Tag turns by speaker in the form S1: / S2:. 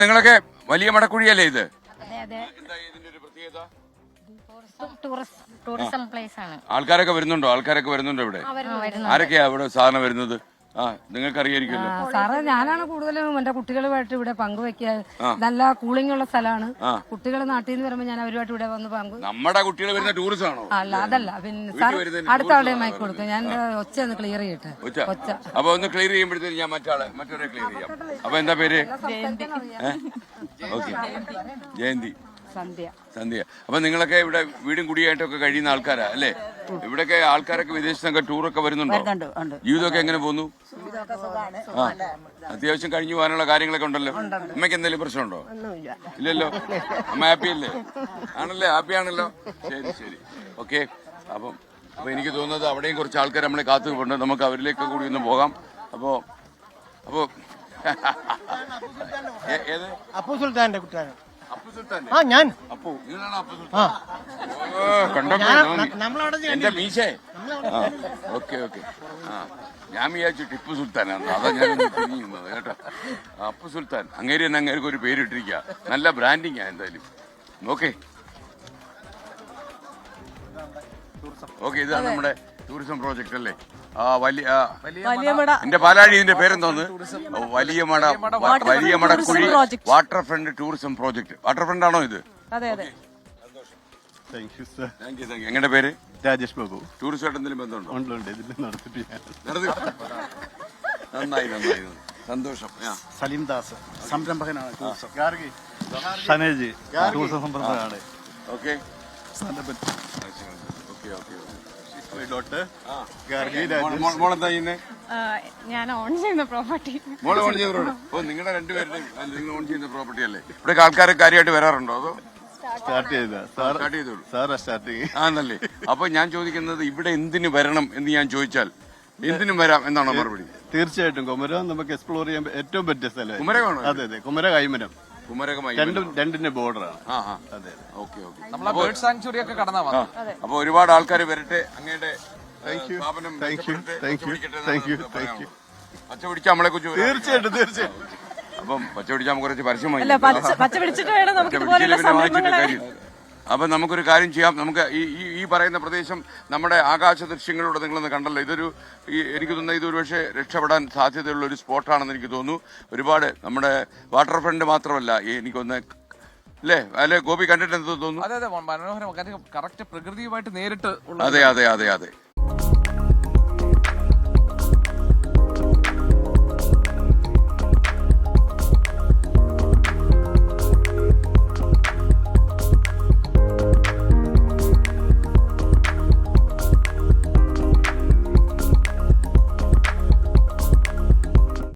S1: നിങ്ങളൊക്കെ വലിയ മടക്കുഴിയല്ലേ ഇത്?
S2: എന്താ ഇതിന്റെ ഒരു പ്രത്യേകത? ടൂറിസം പ്ലേസ് ആണ്.
S1: ആൾക്കാരൊക്കെ വരുന്നുണ്ടോ ഇവിടെ? ആരൊക്കെയാ ഇവിടെ സാധാരണ വരുന്നത്? നിങ്ങൾക്ക് അറിയായിരിക്കുമല്ലോ
S3: സാറേ. ഞാനാണ് കൂടുതലും എന്റെ കുട്ടികളുമായിട്ട് ഇവിടെ പങ്കുവെക്കുക. നല്ല കൂളിംഗ് ഉള്ള സ്ഥലമാണ്. കുട്ടികൾ നാട്ടിൽ നിന്ന് വരുമ്പോൾ ഞാൻ അവരുമായിട്ട് ഇവിടെ വന്ന്
S1: നമ്മുടെ കുട്ടികൾ വരുന്ന ടൂറിസം ആണോ?
S3: അതല്ല, പിന്നെ സാർ അടുത്ത ആളുടെ മൈക്ക് കൊടുക്കും. ഞാൻ ഒച്ച ഒന്ന് ക്ലിയർ ചെയ്യട്ടെ. ഒച്ച
S1: അപ്പൊ ഒന്ന് ക്ലിയർ ചെയ്യുമ്പോഴത്തേക്ക് ഞാൻ മറ്റൊരെ ക്ലിയർ ചെയ്യാം. അപ്പൊ എന്താ പേര്? ഓക്കെ, ജയന്തി. സന്ധ്യ. അപ്പൊ നിങ്ങളൊക്കെ ഇവിടെ വീടും കുടിയായിട്ടൊക്കെ കഴിയുന്ന ആൾക്കാരാ അല്ലേ? ഇവിടൊക്കെ ആൾക്കാരൊക്കെ വിദേശത്തൊക്കെ ടൂറൊക്കെ വരുന്നുണ്ടോ? ജീവിതമൊക്കെ എങ്ങനെ പോകുന്നു? അത്യാവശ്യം കഴിഞ്ഞു പോകാനുള്ള കാര്യങ്ങളൊക്കെ ഉണ്ടല്ലോ. അമ്മയ്ക്ക് എന്തെങ്കിലും പ്രശ്നമുണ്ടോ? ഇല്ലല്ലോ. അമ്മ ഹാപ്പി അല്ലേ? ആണല്ലേ? ഹാപ്പി ആണല്ലോ. ശരി. ഓക്കെ. അപ്പൊ എനിക്ക് തോന്നുന്നത് അവിടെയും കുറച്ച് ആൾക്കാർ നമ്മളെ കാത്തു നിൽപ്പുണ്ട്. നമുക്ക് അവരിലേക്ക് കൂടി ഒന്ന് പോകാം. അപ്പോ ഏത്?
S4: അപ്പു സുൽത്താന്റെ കുട്ടിയാണ്.
S1: ഞാൻ എന്റെ മീശേ. ഓക്കെ. ഞാൻ വിചാരിച്ചു ടിപ്പു സുൽത്താനാണ്. അതാ ഞാൻ തിരിഞ്ഞത് കേട്ടോ. അപ്പു സുൽത്താൻ അങ്ങേര് തന്നെ അങ്ങേർക്ക് ഒരു പേരിട്ടിരിക്കുക. നല്ല ബ്രാൻഡിങ്ങാ എന്തായാലും. ഓക്കെ, ഇതാണ് നമ്മുടെ ടൂറിസം പ്രോജക്റ്റ് അല്ലേ? എന്റെ പാലാഴി. ഇതിന്റെ പേരെന്തോന്ന്? വലിയ Madakkuzhi water front tourism project. Water front ആണോ ഇത്? എങ്ങനെ പേര്?
S5: രാജേഷ് ബാബു.
S1: ടൂറിസമായിട്ട് എന്തെങ്കിലും ബന്ധമുണ്ടോ? നന്നായി. സന്തോഷം.
S5: സലീം ദാസ് സംരംഭകനാണ്. ഷനേജ് ടൂറിസം സംരംഭകനാണ്.
S1: ഓക്കെ. മോളെന്താ ചെയ്യുന്നത്?
S2: ഞാൻ ഓൺ ചെയ്യുന്ന പ്രോപ്പർട്ടി.
S1: നിങ്ങളുടെ രണ്ടുപേരുടെയും നിങ്ങൾ ഓൺ ചെയ്യുന്ന പ്രോപ്പർട്ടി അല്ലേ? ഇവിടെ ആൾക്കാരെ കാര്യമായിട്ട് വരാറുണ്ടോ? അതോ ആണല്ലേ? അപ്പൊ ഞാൻ ചോദിക്കുന്നത് ഇവിടെ എന്തിനു വരണം എന്ന് ഞാൻ ചോദിച്ചാൽ എന്തിനും വരാം എന്നാണോ മറുപടി?
S5: തീർച്ചയായിട്ടും കുമരകം നമുക്ക് എക്സ്പ്ലോർ ചെയ്യാൻ ഏറ്റവും പറ്റിയ സ്ഥലം.
S1: കുമരകമാണോ?
S5: അതെ, കുമരക കൈമരം. രണ്ടിന്റെ ബോർഡറാണ്.
S1: അപ്പൊ ഒരുപാട് ആൾക്കാർ വരട്ടെ. അങ്ങയുടെ പച്ച പിടിച്ച നമ്മളെ കുറിച്ച്
S5: തീർച്ചയായിട്ടും.
S1: അപ്പം പച്ച പിടിച്ച നമുക്ക് കുറച്ച് പരസ്യമായി. അപ്പൊ നമുക്കൊരു കാര്യം ചെയ്യാം. നമുക്ക് ഈ പറയുന്ന പ്രദേശം നമ്മുടെ ആകാശ ദൃശ്യങ്ങളിലൂടെ നിങ്ങളൊന്ന് കണ്ടല്ലോ. എനിക്ക് തോന്നുന്നത് ഇതൊരു പക്ഷേ രക്ഷപ്പെടാൻ സാധ്യതയുള്ള ഒരു സ്പോട്ടാണെന്ന് എനിക്ക് തോന്നുന്നു. ഒരുപാട് നമ്മുടെ വാട്ടർ ഫ്രണ്ട് മാത്രമല്ല, എനിക്കൊന്ന് അല്ലേ ഗോപി കണ്ടിട്ട് എന്ത് തോന്നുന്നു?
S6: മനോഹരം. കറക്റ്റ് പ്രകൃതിയുമായിട്ട് നേരിട്ട്.
S1: അതെ.